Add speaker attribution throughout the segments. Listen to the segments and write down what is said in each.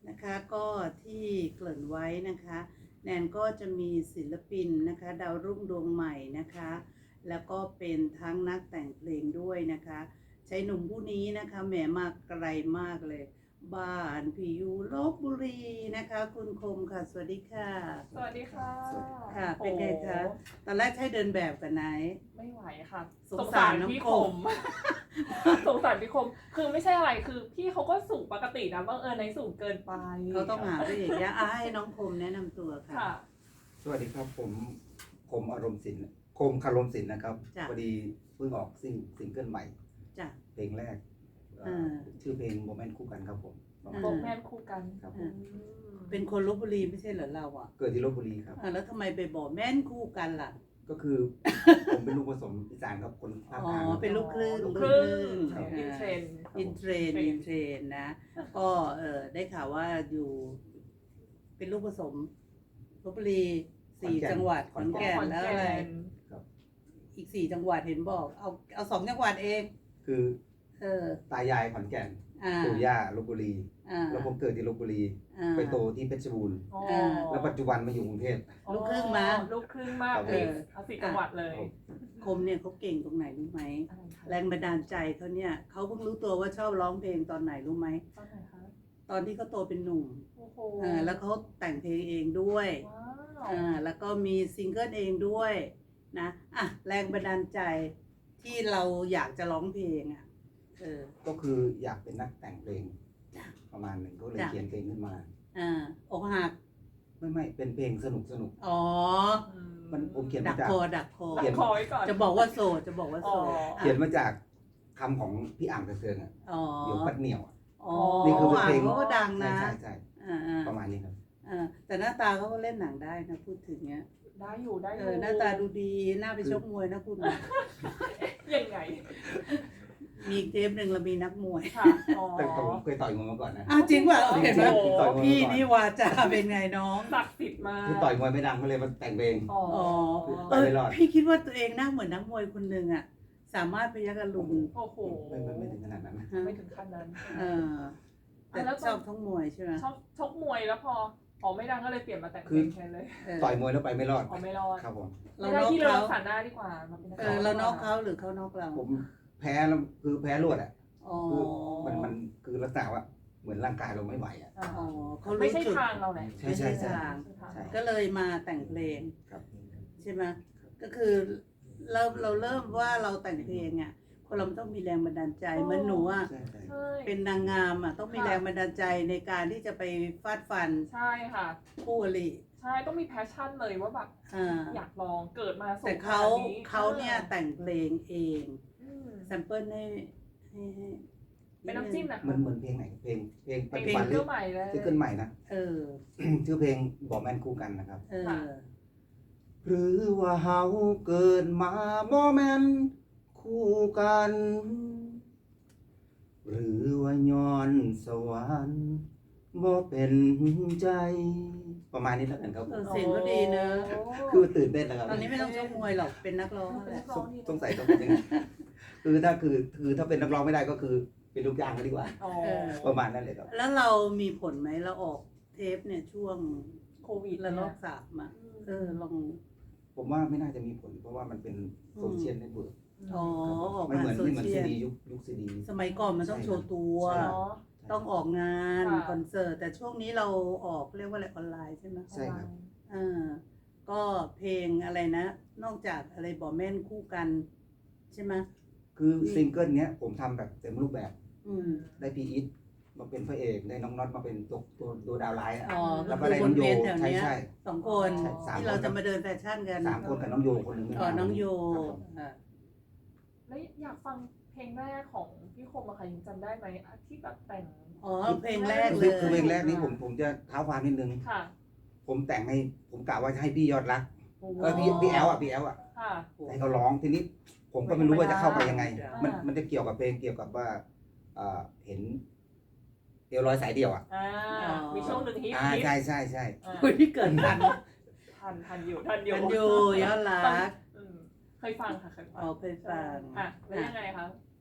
Speaker 1: นะคะก็ที่เกริ่นไว้นะคะแนนก็จะมีศิลปินนะคะดาวรุ่งดวงใหม่นะคะแล้วก็เป็นทั้งนักแต่งเพลงด้วยนะคะชายหนุ่มผู้นี้นะคะแหมมาไกลมากเลยบ้านพี่อยู่ลพบุรีนะคะคุณคมค่ะสวัสดีค่ะ
Speaker 2: สวัสดีค่ะ
Speaker 1: ค่ะเป็นไงคะตอนแรกใช้เดินแบบกันไหน
Speaker 2: ไม่ไหวค่ะ
Speaker 1: สงสารน้องคม
Speaker 2: สงสารพี่คมคือไม่ใช่อะไรคือพี่เขาก็สูงปกตินะบังเอิญในสูงเกินไป
Speaker 1: เขาต้องหาพระเอกยะให้น้องคมแนะนำตัวค่ะ
Speaker 3: สวัสดีครับผมคมอารมณ์ศิลป์คมคารมศิลป์นะครับพอดีเพิ่งออกซิงเกิลใหม่เพลงแรกชื่อเพลงโมเมนต์คู่กันครับผม
Speaker 2: โมเมนต์คู่กัน
Speaker 3: ครับ
Speaker 1: เป็นคนลพบุรีไม่ใช่เหรอเราอ่ะ
Speaker 3: เกิดที่ลพบุรีครับ
Speaker 1: แล้วทำไมไปบอกแม่นคู่กันล่ะ
Speaker 3: ก็คือผมเป็นลูกผสมอีสานครับคนภาคกลาง
Speaker 1: เป็นลูกครึ่ง
Speaker 2: อินเทร
Speaker 1: นนะก็ได้ข่าวว่าอยู่เป็นลูกผสมลพบุรี4 จังหวัดขอนแก่นแล้วอะไรอีก4 จังหวัดเห็นบอกเอา2 จังหวัดเอง
Speaker 3: คือตายายขอนแก่นปู่ย่าลพบุรีแล้วผมเกิดที่ลพบุรีไปโตที่เพชรบูรณ์แล้วปัจจุบันมาอยู่กรุงเทพ
Speaker 1: ลูกครึ่งมา
Speaker 2: ลูกครึ่งมากเลยเอา4 จังหวัดเลย
Speaker 1: คมเนี่ยเขาเก่งตรงไหนรู้ไหมแรงบันดาลใจเขาเนี่ยเขาเพิ่งรู้ตัวว่าชอบร้องเพลงตอนไหนรู้ไหม
Speaker 2: ตอนไหนคะ
Speaker 1: ตอนที่เขาโตเป็นหนุ่มแล้วเขาแต่งเพลงเองด้วยแล้วก็มีซิงเกิลเองด้วยนะแรงบันดาลใจที่เราอยากจะร้องเพลง
Speaker 3: ก็คืออยากเป็นนักแต่งเพลงประมาณหนึ่งก็เลยเขียนเพลงขึ้นมา
Speaker 1: อกหัก
Speaker 3: ไม่เป็นเพลงสนุกมันผมเขียนมาจาก
Speaker 1: ดักคอ
Speaker 2: ก่อน
Speaker 1: จะบอกว่าโสด
Speaker 3: เขียนมาจากคำของพี่อ่างเตือนเดี๋ยวปัดเหนียว
Speaker 1: นี่คือเพลงเขาก็ดังนะ
Speaker 3: ใช่ประมาณนี้ครับ
Speaker 1: แต่หน้าตาเขาก็เล่นหนังได้นะพูดถึงเนี้ย
Speaker 2: ได้อยู่
Speaker 1: หน้าตาดูดีหน้าไปชกมวยนะคุณ
Speaker 2: ยังไง
Speaker 1: มีเทปหนึ่งเรามีนักมวย
Speaker 3: แต่ผมเคยต่อยมวยมาก่อนนะ
Speaker 1: จริงป่ะเห็นไหมพี่นี่วาจาเป็นไงน้อง
Speaker 2: ศักดิ์สิทธิ์มา
Speaker 3: คือต่อยมวยไม่ดังก็เลยมาแต่งเพลง
Speaker 1: พี่คิดว่าตัวเองหน้าเหมือนนักมวยคนหนึ่งอ่ะสามารถพยักอรุณ
Speaker 2: โอ้โห
Speaker 3: ไม่ถึงขนาดนั้น
Speaker 2: ไม่ถึงขั้นนั้น
Speaker 1: แต่ชอบทั้งมวยใช่ไหม
Speaker 2: ชอบชกมวยแล้วพอไม่ดังก็เลยเปลี่ยนมาแต่งเพลงแทนเลย
Speaker 3: ต่อยมวยแล้วไปไม่รอด
Speaker 2: ไม่รอด
Speaker 3: ครับผม
Speaker 2: เราได้ที่เรารักษาหน้าดีกว่า
Speaker 1: เรานอกเขาหรือเขานอกเรา
Speaker 3: ผมแพ้แล้วคือแพ้รวดอ่ะคือมันคือลักษณะว่าเหมือนร่างกายเราไม่ไหวอ่ะ
Speaker 2: เขาไม่ใช่ทางเราแหละ
Speaker 3: ใช่
Speaker 1: ทางก็เลยมาแต่งเพลงใช่ไหมก็คือเราเริ่มว่าเราแต่งเพลงอ่ะคนเราต้องมีแรงบันดาลใจเหมือนหนูอ่ะเป็นนางงามอ่ะต้องมีแรงบันดาลใจในการที่จะไปฟาดฟัน
Speaker 2: ใช่ค่ะ
Speaker 1: คู่อริ
Speaker 2: ใช่ต้องมีแพชชั่นเลยว่าแบบอยากลองเกิดมา
Speaker 1: แต่เขาเนี่ยแต่งเพลงเองแซมเปิลให้
Speaker 2: เป็นน้ำจิ้มนะ
Speaker 3: เหมือนเพลงไหนเพลง
Speaker 2: ปัจจุบันใหม่เลย
Speaker 3: ซิงเกิลใหม่นะชื่อเพลงบอกแมนคู่กันนะครับหรือว่าเฮาเกิดมาบ่แม่นคู่กันหรือว่าย้อนสวรรค์บ่เป็นใจประมาณนี้แล้วกันครับ
Speaker 1: เสียงก็ดีเนอะ
Speaker 3: คือตื่นเต้นนะครับ
Speaker 1: ตอนนี้ไม่ต้องชกมวยหรอกเป็นนักร้องแหละ
Speaker 3: สงสัยต้องเป็นยังไงคือถ้าเป็นนักร้องไม่ได้ก็คือเป็นลูกจ้างก็ดีกว่าประมาณนั้นเลยครับ
Speaker 1: แล้วเรามีผลไหมเราออกเทปเนี่ยช่วง
Speaker 2: โควิด
Speaker 1: ระลอก3อ่ะลอง
Speaker 3: ผมว่าไม่น่าจะมีผลเพราะว่ามันเป็นโซเชียลเน็ตเวิร์ก
Speaker 1: ไม่
Speaker 3: เหมือนซีดียุคซีดี
Speaker 1: สมัยก่อนมันต้องโชว์ตัวต้องออกงานคอนเสิร์ตแต่ช่วงนี้เราออกเรียกว่าอะไรออนไลน์ใช่ไหม
Speaker 3: ใช่ครับ
Speaker 1: ก็เพลงอะไรนะนอกจากอะไรบอกแม่นคู่กันใช่ไหม
Speaker 3: คือซิงเกิลเนี้ยผมทำแบบเต็มรูปแบบได้พีอีทมาเป็นพระเอกได้น้องน็อตมาเป็นตัวดาวไลท์
Speaker 1: แล้วก็ได้น้องโยใช่2 คนที่เราจะมาเดินแฟชั่นกัน
Speaker 3: 3 คนกับน้องโยคนหนึ่ง
Speaker 1: น้องโย
Speaker 2: แล้วอยากฟังเพลงแรกของพี่คมอะค่ะยังจำได้ไหมที่แบบแต่ง
Speaker 1: เพลงแรกเลย
Speaker 3: คือเพลงแรกนี้ผมจะเท้าความนิดนึงผมแต่งให้ผมกะว่าจะให้พี่ยอดรักก็พี่แอลอ่ะให้เขาร้องทีนี้ผมก็ไม่รู้ว่าจะเข้าไปยังไงมันจะเกี่ยวกับเพลงเกี่ยวกับว่าเห็นเดียวร้อยสายเดียวอ่ะ
Speaker 2: มีช่วงหนึ่งฮิต
Speaker 3: ใช่
Speaker 1: คุยที่เกิด
Speaker 2: ทันอยู่
Speaker 1: ยอดรัก
Speaker 2: เคยฟังค่ะเคยฟัง
Speaker 1: เคยฟัง
Speaker 2: แล้วยังไงคะ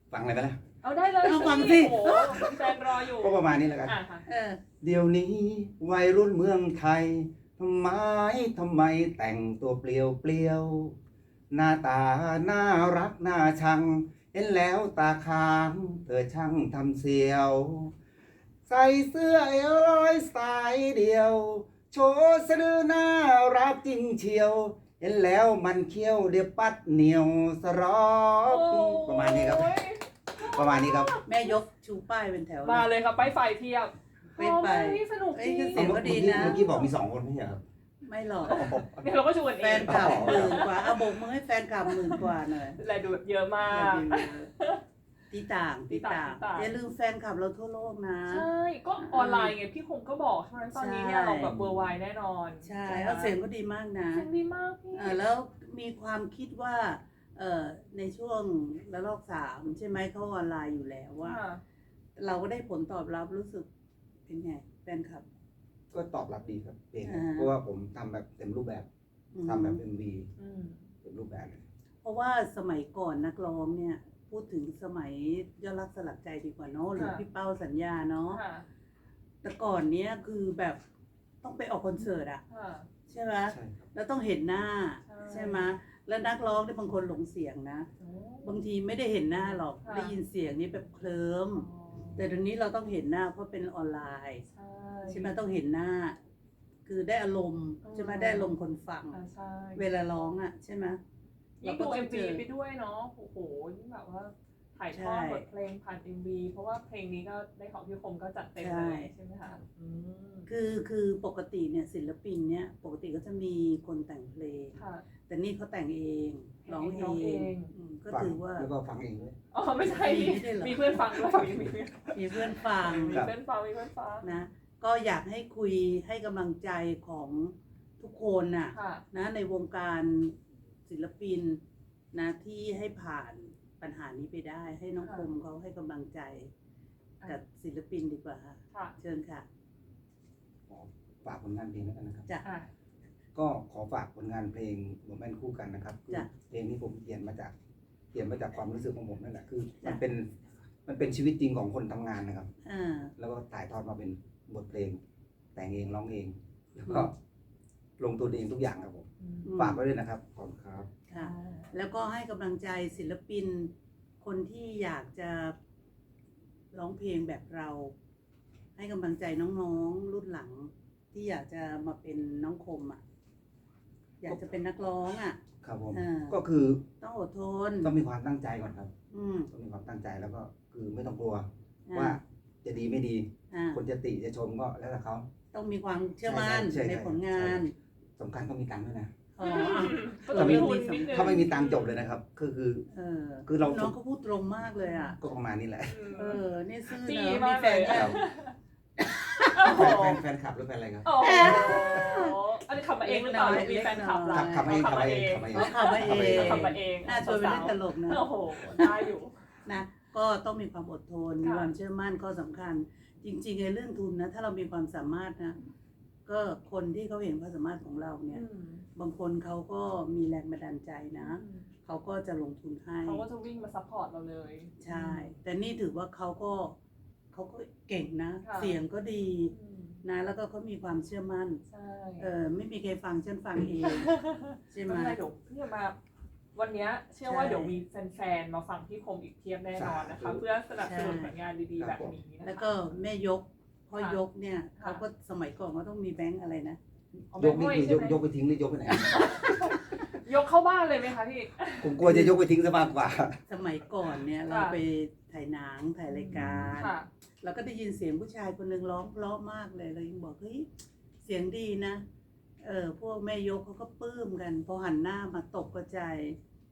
Speaker 3: ฟังอะไรไปล่ะ
Speaker 2: เอาได้เลย
Speaker 1: เอาฟังสิ
Speaker 2: โอ้โหแฟนรออยู่
Speaker 3: ก็ประมาณนี้แล้วกัน
Speaker 2: อ่ะค่ะ
Speaker 3: เดี๋ยวนี้วัยรุ่นเมืองไทยทำไมแต่งตัวเปลี่ยวหน้าตาน่ารักน่าชัง เห็นแล้วตาค้างเธอช่างทำเสียว ใส่เสื้อเอวลอยสายเดียว โชว์สะดือน่ารักจริงเชียว เห็นแล้วมันเคี้ยวเดี๋ยวปัดเหนียวสรอบประมาณนี้ครับ ประมาณนี้ครับ
Speaker 1: แม่ยกชูป้ายเป็นแถว
Speaker 2: มาเลยครับไปฝ่ายเทียบ
Speaker 1: ไปไป
Speaker 2: โอ้ยสนุกจริง
Speaker 1: เอ้ย เสียงก็ดีนะ
Speaker 3: เมื่อกี้บอกมี2 คนไม่ใช่เหรอครับ
Speaker 1: ไม่หรอก
Speaker 2: เดี๋ยวเราก็ชวน
Speaker 1: แฟ
Speaker 2: เอง
Speaker 1: นคลับ10,000 กว่าเอาโบกมือให้แฟนคลับ10,000 กว่าหน่อย
Speaker 2: แลดูเยอะมาก
Speaker 1: ที่ต่าง
Speaker 2: ที่ต่าง
Speaker 1: อย่าลืมแฟนคลับเราทั่วโลกนะ
Speaker 2: ใช่ ก็ออนไลน์ไงพี่คงก็บอกใช่ไหมตอนนี้เนี่ย
Speaker 1: ใช่
Speaker 2: เราแบบเวอร์ไวแน่นอน
Speaker 1: ใช่แล้วเสียงก็ดีมากนะ
Speaker 2: เสียงดีมากพี่
Speaker 1: แล้วมีความคิดว่าในช่วงระลอก3ใช่ไหมเขาออนไลน์อยู่แล้วว่า
Speaker 2: ค่ะ
Speaker 1: เราก็ได้ผลตอบรับรู้สึกเป็นไงแฟนคลับ
Speaker 3: ก็ตอบรับดีครับเพลง
Speaker 1: อ่า
Speaker 3: เพราะว่าผมทำแบบเต็มรูปแบบ
Speaker 1: อืม
Speaker 3: ทำแบบ MV
Speaker 2: อืม
Speaker 3: เต็มรูปแบบเลย
Speaker 1: เพราะว่าสมัยก่อนนักร้องเนี่ย พูดถึงสมัยยอดรักสลักใจดีกว่าเนาะหรือ
Speaker 2: ค่ะ
Speaker 1: พี่เป้าสัญญาเนาะ
Speaker 2: ค่ะ
Speaker 1: แต่ก่อนเนี้ยคือแบบต้องไปออกคอนเสิร์ตอะ
Speaker 2: ค่ะ
Speaker 1: ใช่ไหม
Speaker 3: ใช่ครับ
Speaker 1: แล้วต้องเห็นหน้า
Speaker 2: ใช่
Speaker 1: ใช่ไหมแล้วนักร้องเนี่ยบางคนหลงเสียงนะ
Speaker 2: โอ้
Speaker 1: บางทีไม่ได้เห็นหน้าหรอก
Speaker 2: ค่ะ
Speaker 1: ได้ยินเสียงนี้แบบเคลิ้ม
Speaker 2: อ๋อ
Speaker 1: แต่เดี๋ยวนี้เราต้องเห็นหน้าเพราะเป็นออนไลน์
Speaker 2: ใช่
Speaker 1: ใช่ไหมต้องเห็นหน้า คือได้อารมณ์ใช่ไหมได้อารมณ์คนฟัง
Speaker 2: อ่าใช่
Speaker 1: เวลาร้องอ่ะใช่ไหม
Speaker 2: ยิ่ง
Speaker 1: เรา
Speaker 2: ดู
Speaker 1: ก็ต้
Speaker 2: เอ็
Speaker 1: อง
Speaker 2: ม
Speaker 1: เจ
Speaker 2: วี
Speaker 1: อ
Speaker 2: ไปด้วยเนาะโอ้โหยิ่งแบบว่าถ่ายทอด
Speaker 1: ใช่
Speaker 2: บทเพลงผ่านเอ็มวีเพราะว่าเพลงนี้ก็ได้ของพี่คมก็จัดเต็ม
Speaker 1: ใช่
Speaker 2: เลยใช่ไหมคะอืม
Speaker 1: คือปกติเนี่ยศิลปินเนี่ยปกติก็จะมีคนแต่งเพลง
Speaker 2: ค่ะ
Speaker 1: แต่นี่เขาแต่งเองร้อง
Speaker 2: ร้อง
Speaker 1: เอ
Speaker 2: เอง
Speaker 1: งก็
Speaker 3: ฟัง
Speaker 1: ถือว่า
Speaker 3: แล้วก็ฟังเองด้วย
Speaker 2: อ๋อไม่ใช่
Speaker 1: ไม่ได้เหรอ
Speaker 2: มีเพื่อนฟังด้วยมีเพื่อน
Speaker 1: มีเพื่อนฟัง
Speaker 2: มีเพื่อนฟังมีเพื่อนฟัง
Speaker 1: นะ ก็อยากให้คุยให้กำลังใจของทุกคนน่ะ
Speaker 2: ค่ะ
Speaker 1: นะในวงการศิลปินนะที่ให้ผ่านปัญหานี้ไปได้ให้น้อง
Speaker 2: ค่ะ
Speaker 1: คมเขาให้กำลังใจกับศิลปินดีกว่าค่ะ
Speaker 2: ค่ะ
Speaker 1: เชิญค่ะ
Speaker 3: ขอฝากผลงานเพลงแล้วกันนะครับ
Speaker 1: จ้ะ
Speaker 2: อ่ะ
Speaker 3: ก็ขอฝากผลงานเพลงโรแมนคู่กันนะครับคือ
Speaker 1: จ้ะ
Speaker 3: เพลงนี้ผมเขียนมาจากความรู้สึกของผมนั่นแหละคือมัน
Speaker 1: จ้ะ
Speaker 3: เป็นชีวิตจริงของคนทำงานนะครับ
Speaker 1: อ่า
Speaker 3: แล้วก็ถ่ายทอดมาเป็นบทเพลง แต่งเองร้องเอง แล้วก็ลงตัวเองทุกอย่างครับผม
Speaker 2: อืม
Speaker 3: ฝากไว้ด้วยนะครับขอบคุณครับ
Speaker 1: ค่ะ แล้วก็ให้กำลังใจศิลปิน คนที่อยากจะร้องเพลงแบบเรา ให้กำลังใจน้องๆรุ่นหลัง ที่อยากจะมาเป็นน้องคมอ่ะ อยากจะเป็นนักร้องอ่ะ
Speaker 3: ครับผม
Speaker 1: อ่า
Speaker 3: ก็คือ
Speaker 1: ต้องอดทน
Speaker 3: ต้องมีความตั้งใจก่อนครับ
Speaker 1: อืม
Speaker 3: ต้องมีความตั้งใจแล้วก็คือไม่ต้องกลัว
Speaker 1: อ่า
Speaker 3: ว่าจะดีไม่ดี
Speaker 1: อ่า
Speaker 3: คนจะติจะชมก็แล้วแต่เขา
Speaker 1: ต้องมีความเชื่อมั่น
Speaker 3: ใช่
Speaker 1: ในผลงาน
Speaker 3: สำคัญต้องมีตังค์ด้วยนะ
Speaker 1: อ๋อ
Speaker 2: ก็ต้องมีทุนนิดนึง
Speaker 3: ถ้าไม่มีตังค์จบเลยนะครับคือ คือเรา
Speaker 1: น้องเขาพูดตรงมากเลยอ่ะ
Speaker 3: ก็ประมาณนี้แหละ
Speaker 1: นี่ซื่อ
Speaker 2: จี้
Speaker 1: เนอะ
Speaker 2: มา
Speaker 1: มี
Speaker 2: ก
Speaker 1: แฟน
Speaker 2: เลย
Speaker 1: ยั
Speaker 2: อะ
Speaker 1: ง
Speaker 2: โอ้โห
Speaker 3: แฟนคลับหรือแฟนอะไรครับ
Speaker 2: โอ้โหอันนี้ขับมาเองหรือเปล่าหรือมีแฟนคลับเรา
Speaker 3: ขับมาเองขับมาเอง
Speaker 1: เขาขับมาเอง
Speaker 2: ขับมาเอง
Speaker 1: น่าชวนไปเล่นตลกนะ
Speaker 2: โอ้โหได้อยู่
Speaker 1: นะก็ต้องมีความอดทน
Speaker 2: ค่ะ
Speaker 1: มีความเชื่อมั่นข้อสำคัญ จริงๆในเรื่องทุนนะ ถ้าเรามีความสามารถนะ ก็คนที่เขาเห็นความสามารถของเราเนี่ย บางคนเขาก็มีแรงบันดาลใจนะ เขาก็จะลงทุนให้
Speaker 2: เขาก็จะวิ่งมาซัพพอร์ตเราเลย
Speaker 1: ใช่ แต่นี่ถือว่าเขาก็เก่งนะ
Speaker 2: ค่ะ
Speaker 1: เสียงก็ดี
Speaker 2: อืม
Speaker 1: นะ แล้วก็เขามีความเชื่อมั่น
Speaker 2: ใช่
Speaker 1: ไม่มีใครฟังฉันฟังเอง ใช่ไหม
Speaker 2: ไม่เป็นไรเดี๋ยวพี่จะมาวันเนี้ยเชื่อว่าเดี๋ยวมีแฟนๆมาฟังพี่คมอีกเพียบแน่นอนนะคะ เพื่อสนับสนุนผลงานดีๆแบบนี้นะคะ
Speaker 1: แล้วก็แม่ยกพ่อยกเนี่ยเขาก็สมัยก่อนเขาต้องมีแบงค์อะไรนะ
Speaker 2: เอาแบ
Speaker 3: ย
Speaker 2: ง
Speaker 3: ก
Speaker 2: ค์
Speaker 3: นี่
Speaker 2: ห้อย
Speaker 3: คือ
Speaker 2: ใช่ไหม
Speaker 3: ยกไปทิ้งหรือยกไปไหน
Speaker 2: ยกเข้าบ้านเลยไหมคะพี่
Speaker 3: ผมกลัวจะยกไปทิ้งซะมากกว่า
Speaker 1: สมัยก่อนเนี่ยเรา
Speaker 2: ค่ะ
Speaker 1: ไปถ่ายหนังถ่ายรายการ
Speaker 2: ค่ะ
Speaker 1: เราก็ได้ยินเสียงผู้ชายคนหนึ่งร้องเพราะมากเลยเรายังบอกเฮ้ยเสียงดีนะพวกแม่ยกเขาก็ปลื้มกันพอหันหน้ามาตกกระจาย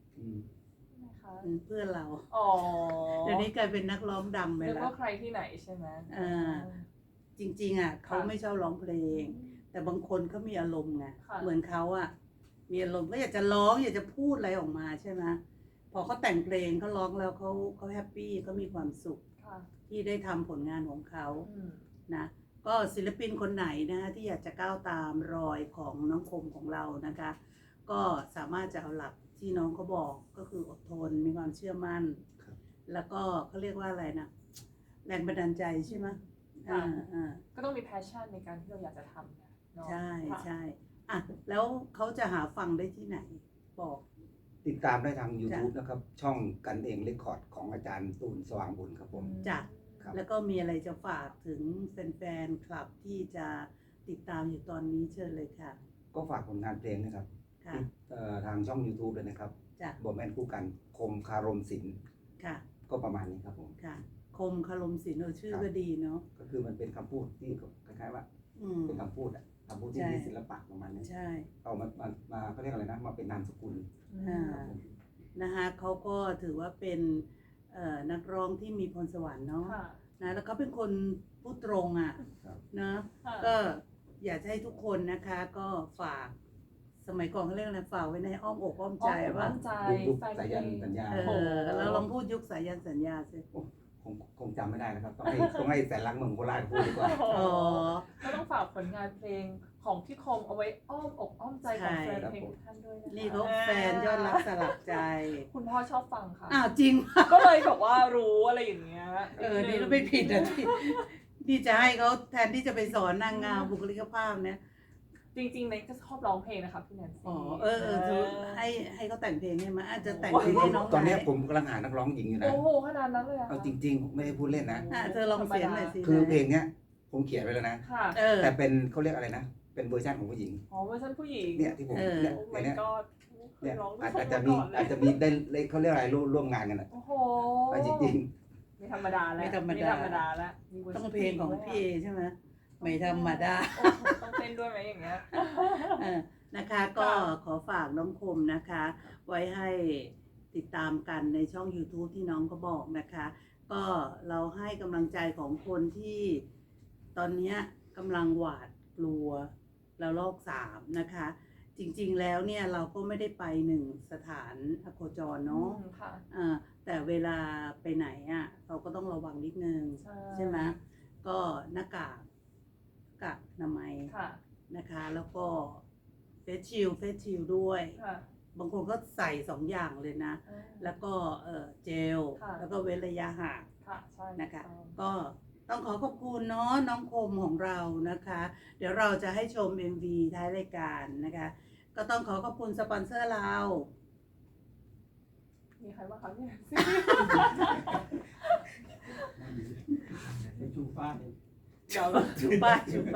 Speaker 1: เพื่อนเรา
Speaker 2: อ๋อ
Speaker 1: เดี๋ยวนี้กลายเป็นนักร้องดังไป
Speaker 2: นึก
Speaker 1: แล้
Speaker 2: ว่าว ใครที่ไหนใช่ไหม
Speaker 1: จริงๆอ่ะเขาไม่ชอบร้องเพลง แต่บางคนเขามีอารมณ์ไง
Speaker 2: ค่ะ
Speaker 1: เหมือนเขาอ่ะมีอารมณ์ก็อยากจะร้องอยากจะพูดอะไรออกมาใช่ไหมพอเขาแต่งเพลงเขาร้องแล้วเขาแฮปปี้เขามีความสุข
Speaker 2: ค่ะ
Speaker 1: ที่ได้ทำผลงานของเขา
Speaker 2: อืม
Speaker 1: นะก็ศิลปินคนไหนนะที่อยากจะก้าวตามรอยของน้องคมของเรานะคะ ก็สามารถจะเอาหลักที่น้องเขาบอกก็คืออดทนมีความเชื่อมั่น
Speaker 3: ครับ
Speaker 1: แล้วก็เขาเรียกว่าอะไรนะแรงบันดาลใจใช่ไหม
Speaker 2: ก็ต้องมี passion ในการที่เราอยากจะทำเนาะ
Speaker 1: ใช่ใช่อ่ะแล้วเขาจะหาฟังได้ที่ไหนบอก
Speaker 3: ติดตามได้ทาง YouTube นะครับช่องกันเองเรคคอร์ดของอาจารย์ตูนสว่างบุญครับผม
Speaker 1: จ้ะ
Speaker 3: ครับ
Speaker 1: แล้วก็มีอะไรจะฝากถึงแฟนๆคลับที่จะติดตามอยู่ตอนนี้เชิญเลยค่ะ
Speaker 3: ก็ฝากผลงานเพลงนะครับ
Speaker 1: ค่ะ
Speaker 3: ทางช่อง YouTube เลยนะครับ
Speaker 1: จ้ะ
Speaker 3: บอมแอนคู่กันคมคารมศิลป์
Speaker 1: ค่ะ
Speaker 3: ก็ประมาณนี้ครับผม
Speaker 1: ค่ะ คมคารมศิลป์ชื่อก็ดีเนาะ
Speaker 3: ก็คือมันเป็นคำพูดที่คล้ายๆว่า เป็นคำพูดอะคำพูดที่
Speaker 1: ใช่
Speaker 3: มีศิลปะประมาณนี้
Speaker 1: ใช่
Speaker 3: เอามาเขาเรียกอะไรนะมาเป็นนามสกุล
Speaker 1: อ่า นะคะเขาก็ถือว่าเป็นนักร้องที่มีพรสวรรค์เนาะ
Speaker 2: ค่ะ
Speaker 1: นะแล้วเขาเป็นคนพูดตรงอ่ะ
Speaker 3: ครับ
Speaker 1: นะ
Speaker 2: ค่ะ
Speaker 1: ก็อยากให้ทุกคนนะคะก็ฝากสมัยก่อนเขาเรียกอะไรฝากไว้ในอ้อมอกอ้อมใจว่า
Speaker 2: มั่นใจ
Speaker 3: ยุค
Speaker 2: แฟน
Speaker 3: สา
Speaker 2: เพ
Speaker 3: ยัน
Speaker 2: ลง
Speaker 3: สัญญา
Speaker 1: เราลองพูดยุคสายันสัญญาสิ
Speaker 3: คงจำไม่ได้นะครับ ต้องให้แสนรักเมืองโคราชพูดดีกว่า
Speaker 1: อ๋อ
Speaker 2: ก็ต้องฝากผลงานเพลงของพี่คมเอาไว้อ้อมอกอ้อมใจของแฟนเพลงทุกท่านด้วยนะคะ
Speaker 1: นี่เขาแฟนยอดรักสลักใจ
Speaker 2: คุณพ่อชอบฟังค่ะ
Speaker 1: อ้าวจริงป่ะ
Speaker 2: ก็เลยแบบว่ารู้อะไรอย่างเงี้ย
Speaker 1: นี่เราไม่ผิดนะที่จะให้เขาแทนที่จะไปสอนนางงามบุคลิกภาพเนี่ย
Speaker 2: จริงๆเน็กก็ชอบร้องเพลงนะคะพี่แนนซี่
Speaker 1: อ๋อคือให้เขาแต่งเพลงให้มาอาจจะแต่งเพลงให้น้อง
Speaker 3: ตอนเนี้ย
Speaker 1: ไห
Speaker 3: ผมกำลังหานักร้องหญิงอยู่นะ
Speaker 2: โอ้โหขนาดนั้นเลยอะ
Speaker 3: เอาจริงๆ ไม่ได้พูดเล่นนะ
Speaker 1: เธอลองเสียงหน่อยสิ
Speaker 3: คือเพลงเนี้ยผมเขียนไว้แล้วนะ
Speaker 2: ค่ะ
Speaker 3: แต่เป็นเขาเรียกอะไรนะ เป็นเวอร์ชันของผู้หญิง
Speaker 2: อ๋อเวอร์ชันผู้หญิง
Speaker 3: เนี่ยที่ผมเนี่ย
Speaker 2: โอ้
Speaker 3: เพล
Speaker 2: my
Speaker 3: งเนี้ย
Speaker 2: god เค
Speaker 3: เนี่ย ย
Speaker 2: ร้อง
Speaker 3: อาจ
Speaker 2: ด้วย
Speaker 3: จะ
Speaker 2: คน
Speaker 3: มี
Speaker 2: ก่อนเลย
Speaker 3: อาจจะมีได้เขาเรียกอะไรร่วมงานกันอะ
Speaker 2: โอ้โห
Speaker 3: ไปจริง
Speaker 2: ไม่ธรรมดาแล้ว
Speaker 1: ไม่ธรรมดา
Speaker 2: แล้วมีวร์ชัน
Speaker 1: ต้องเพลงของพี่เอใช่ไหมไม่ธรรมดา
Speaker 2: โอ้โหต้องเต้นด้วยไหมอย่างเงี้ย
Speaker 1: นะคะก็ขอฝากน้องคมนะคะ ไว้ให้ติดตามกันในช่อง YouTube ที่น้องก็บอกนะคะ ก็เราให้กำลังใจของคนที่ตอนนี้กำลังหวาดกลัวแล้วโรค3นะคะ จริงๆแล้วเนี่ยเราก็ไม่ได้ไป1สถานอโคจรเนาะ
Speaker 2: ค่ะ
Speaker 1: แต่เวลาไปไหนอ่ะเราก็ต้องระวังนิดนึง ใช่ไหมก็หน้ากากอนามัย
Speaker 2: ค่ะ
Speaker 1: นะคะ แล้วก็เฟสชิลด้วย
Speaker 2: ค่ะ
Speaker 1: บางคนก็ใส่2อย่างเลยนะ แล้วก็เจล
Speaker 2: ค่ะ
Speaker 1: แล้วก็เว้นระยะห่าง
Speaker 2: ค่ะใช่
Speaker 1: นะคะ ก็ต้องขอบคุณเนาะน้องคมของเรานะคะ เดี๋ยวเราจะให้ชม MV ท้ายรายการนะคะ ก็ต้องขอบคุณสปอนเซอร์เรา
Speaker 2: มีใครบ้างคะพี่แนนซี่
Speaker 4: ชูฟ้า
Speaker 2: เดี๋ยว
Speaker 1: ชูป้า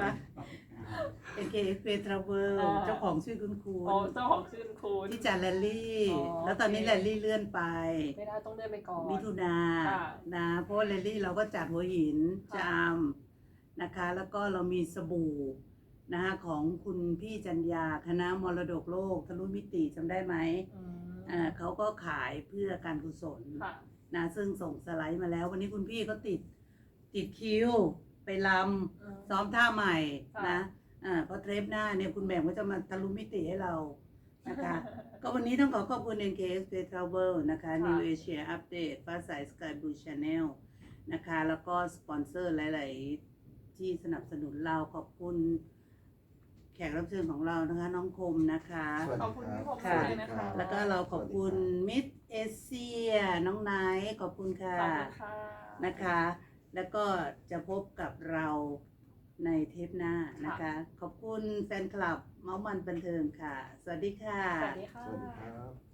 Speaker 1: AKF Travel เจ้าของชื่อคุณครู
Speaker 2: อ๋อเจ้าของชื่อคุณ
Speaker 1: ที่จัดแรลลี่
Speaker 2: อ๋อ
Speaker 1: แล้วตอนนี้
Speaker 2: โอเค
Speaker 1: แรลลี่เลื่อนไป
Speaker 2: ไม่ได้ต้องเดินไปก่อน
Speaker 1: มิถุนา
Speaker 2: ค่ะ
Speaker 1: นะเพราะว่าแรลลี่เราก็จัดหัวหิน
Speaker 2: ค่ะ
Speaker 1: จามนะคะ แล้วก็เรามีสบู่นะคะของคุณพี่จัญญาคณะมรดกโลกทะลุมิติจำได้ไหม
Speaker 2: อืม
Speaker 1: เขาก็ขายเพื่อการกุศล
Speaker 2: ค่ะ
Speaker 1: นะซึ่งส่งสไลด์มาแล้ว วันนี้คุณพี่ก็ติดคิวไปลำซ้อมท่าใหม่
Speaker 2: ค่ะ
Speaker 1: นะเพราะเทปหน้าเนี่ยคุณแบ่งก็จะมาทะลุมิติให้เรานะคะ ก็วันนี้ต้องขอบคุณ NKS Travel นะคะ
Speaker 2: ค่ะ
Speaker 1: New Asia Update ฟ้าใส Sky Blue Channel นะคะ แล้วก็สปอนเซอร์หลาย ๆ ที่สนับสนุนเราขอบคุณแขกรับเชิญของเรานะคะ น้องคมนะคะ
Speaker 3: สวัส
Speaker 2: ข
Speaker 3: ดี
Speaker 2: อบคุณ
Speaker 3: ครับ
Speaker 2: พี่ผมด้วยนะคะ
Speaker 1: แล้วก็เราขอบคุณมิดเอเชียน้องไนท์ขอบคุณค่ะ
Speaker 2: ขอบคุณค่ะ
Speaker 1: นะคะ แล้วก็จะพบกับเราในเทปหน้านะคะ ขอบคุณแฟนคลับเมาส์มันบันเทิงค่ะ สวัสดีค่ะ
Speaker 2: สวัสดีค่ะ
Speaker 3: สวัสดีครับ